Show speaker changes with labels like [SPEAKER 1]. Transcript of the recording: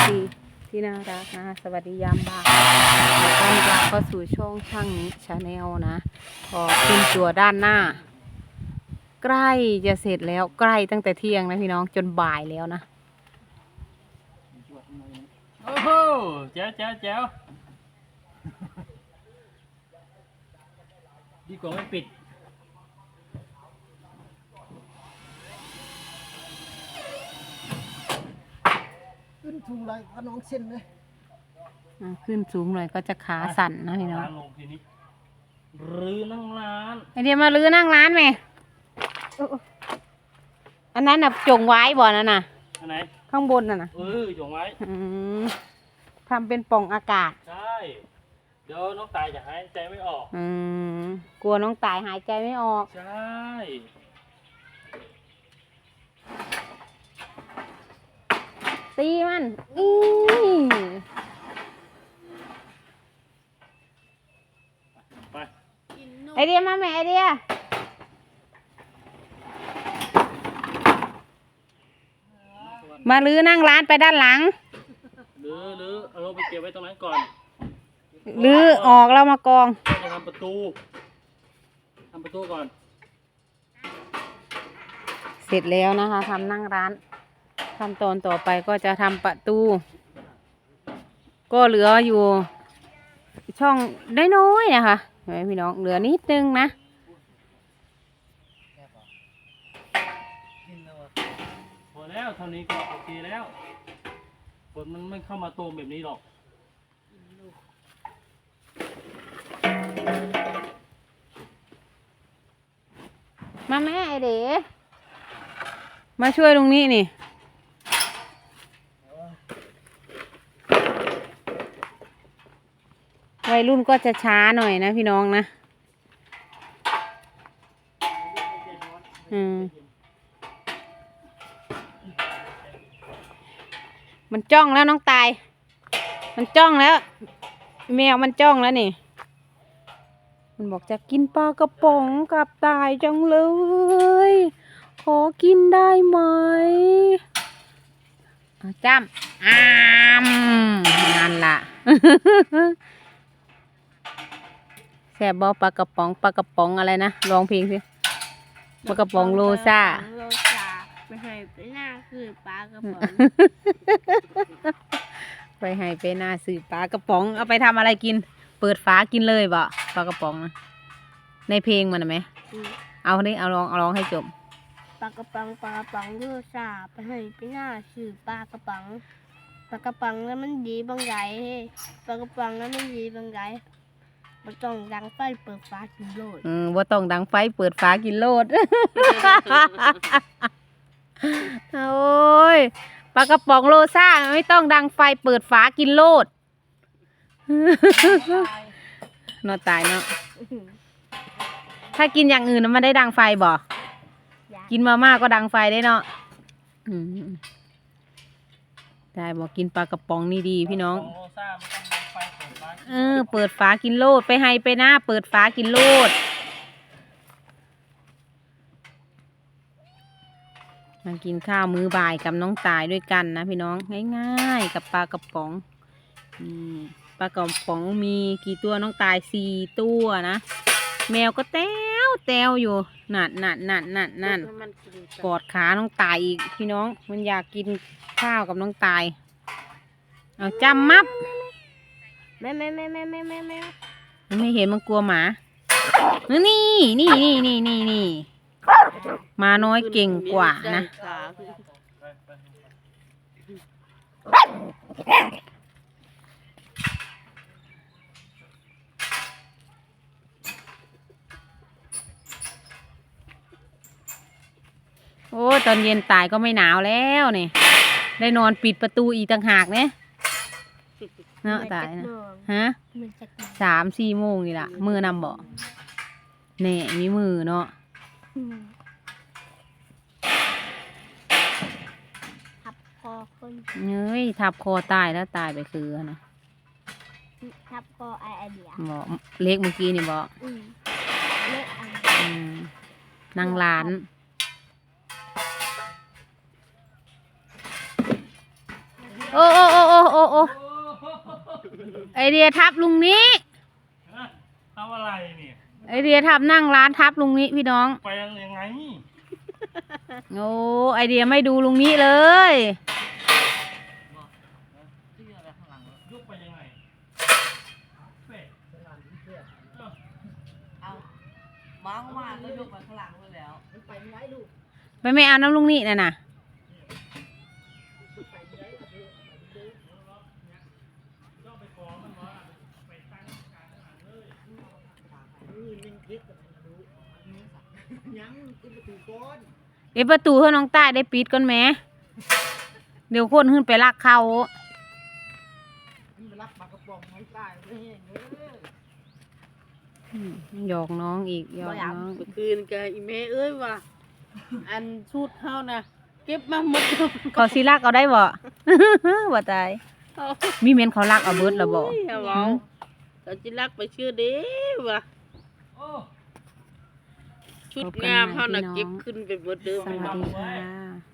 [SPEAKER 1] ซีที่น่ารักนะสวัสดียามบ่ายต้อนรับเข้าสู่ช่องช่างนี้ชาแนลนะพอขึ้นตัวด้านหน้าใกล้จะเสร็จแล้วใกล้ตั้งแต่เที่ยงนะพี่น้องจนบ่ายแล้วนะ
[SPEAKER 2] โอ้โหแจ๋วแจ๋วแจ๋วดีกว่าไม่ปิด
[SPEAKER 3] ขึ้นทุงไรขนองเส้นเลย
[SPEAKER 1] ขึ้นสูงหน่อยก็จะขาสั่นนะพี่น้อง
[SPEAKER 2] ลงทีนี้รื้อนั่งร้าน
[SPEAKER 1] ไอเดียมาลื้อนั่งร้านไหมอันนั้นน่ะจงไว้บ่อนั่นน่ะ
[SPEAKER 2] อันไหน
[SPEAKER 1] ข้างบนน่ะนะ
[SPEAKER 2] จงไว้
[SPEAKER 1] ทำเป็นปล่องอากาศ
[SPEAKER 2] ใช่เดี๋ยวน้องตายจะหายใจไม่ออก
[SPEAKER 1] กลัวน้องตายหายใจไม่ออก
[SPEAKER 2] ใช่
[SPEAKER 1] ตีมัน
[SPEAKER 2] ไป
[SPEAKER 1] ไอเดียมาแม่ไอเดียมาลื้อนั่งร้านไปด้านหลัง
[SPEAKER 2] ลื้อเอาลงไปเก็บไว้ตรงนั้นก่อน
[SPEAKER 1] ลื้อออกแล้วมากอง
[SPEAKER 2] จะทำประตูก่อน
[SPEAKER 1] เสร็จแล้วนะคะทำนั่งร้านขั้นตอนต่อไปก็จะทำประตูก็เหลืออยู่ช่องได้น้อยนะคะเห็นไหมพี่น้องเหลือนิดนึงนะ
[SPEAKER 2] พอแล้วเท่านี้ก็โอเคแล้วฝนมันไม่เข้ามาโตมแบบนี้หรอก
[SPEAKER 1] มาแม่ไอเด๋มาช่วยตรงนี้นี่วัยรุ่นก็จะช้าหน่อยนะพี่น้องนะมันจ้องแล้วน้องตายมันจ้องแล้วแมวมันจ้องแล้วนี่มันบอกจะกินปลากระป๋องกับตายจังเลยขอกินได้ไหมจ้ำนั่นล่ะแซ่บบ่ปลากระป๋องอะไรนะลองเพลงสิปลากระป๋องโลซ่า
[SPEAKER 4] ไปให้ไปหน้าคือปลากระป๋อง
[SPEAKER 1] ไปให้ไปหน้าซื้อปลากระป๋องเอาไปทำอะไรกินเปิดฝากินเลยบ่ปลากระป๋องนะในเพลงมันไหมเอาดิเอาลองให้จบ
[SPEAKER 4] ปลากระป๋องโลซ่าไปให้ไปหน้าคือปลากระป๋องแล้วมันดีบางไงปลากระป๋องแล้วมันดีบางไงบ่ต้องดังไฟเปิดฝากินโลด
[SPEAKER 1] บ่ต้องดังไฟเปิดฝากินโลดโอ้ยปลากระป๋องโลซ่าไม่ต้องดังไฟเปิดฝากินโลดนอนตายเนาะถ้ากินอย่างอื่นมันได้ดังไฟบ่กินมาม่าก็ดังไฟได้เนาะได้บอกกินปลากระป๋องนี่ดีพี่น้องเปิดฝากินโลดไปให้ไปหน้าเปิดฝากินโลดมากินข้าวมื้อบ่ายกับน้องตายด้วยกันนะพี่น้องง่ายๆกับปลากระป๋องปลากระป๋องมีกี่ตัวน้องตาย4 ตัวนะแมวก็แต้วอยู่นั่นกอดขาน้องตายอีกพี่น้องมันอยากกินข้าวกับน้องตายเอาจำมับ
[SPEAKER 4] แม่
[SPEAKER 1] ไม่เห็นมันกลัวหมานี่มาน้อยเก่งกว่านะโอ้ตอนเย็นตายก็ไม่หนาวแล้วนี่ได้นอนปิดประตูอีกต่างหากเนี่ยเนาะตายนะฮะ3-4 โมงนี่ล่ะมือนำบ่แน่มีมือเนาะ
[SPEAKER 4] ทับคอคน
[SPEAKER 1] ทับคอตายแล้วตายไปคือนะ
[SPEAKER 4] ทับคอไอเดีย
[SPEAKER 1] บ่เล็กเมื่อกี้นี่บ่
[SPEAKER 4] เล็ก
[SPEAKER 1] นางร้าน โอ้โอ้โอ้ไอเดียทับลุงนี้
[SPEAKER 2] ทำอะไรเนี่ย
[SPEAKER 1] ไอเดียทับนั่งร้านทับลุงนี้พี่น้อง
[SPEAKER 2] ไปยังไง
[SPEAKER 1] โอ้ไอเดียไม่ดูลุงนี้เลย
[SPEAKER 2] ยกไปยังไงเป๊ะ
[SPEAKER 5] เอาวางมาก็ยกมาข้างหลังไปแล้ว
[SPEAKER 3] มันไปไม่ได้ลูก
[SPEAKER 1] ไปไม่เอาน้ำลุงนี้น่ะนะ
[SPEAKER 3] ไปไม่ได้ลูกเด้อ
[SPEAKER 2] ต้องไปฟ้องมันว่าไปตั้งกลางหลังเลย
[SPEAKER 3] นี่มันเย็ดกับมันดูยังกินประตูก้อน
[SPEAKER 1] เดี๋ยวประตูให้น้องใต้ได้ปิดก่อนแหมเดี๋ยวคนขึ้นไปลักเขา
[SPEAKER 3] มันมารักปลากระป๋องน้องตายไม่เห็นเด้อ
[SPEAKER 1] หยอกน้องอีกหยอกน้อง
[SPEAKER 5] เมื่อคืนกับอีเมเอ้ยว่าอันชุดเฮานะเก็บมาหมด
[SPEAKER 1] เขาสิลักเอาได้บ่ บ่ตาย
[SPEAKER 5] เอา
[SPEAKER 1] มีเมนเขาลักเอาเบิดแล้วบ่
[SPEAKER 5] เอาเอาเขาจิรักไปชื่อเด้ว่ะ
[SPEAKER 2] โอ้
[SPEAKER 5] ชุดงามเฮานะเก็บขึ้นไปหมดเด้อ
[SPEAKER 1] สวัสดีค่ะ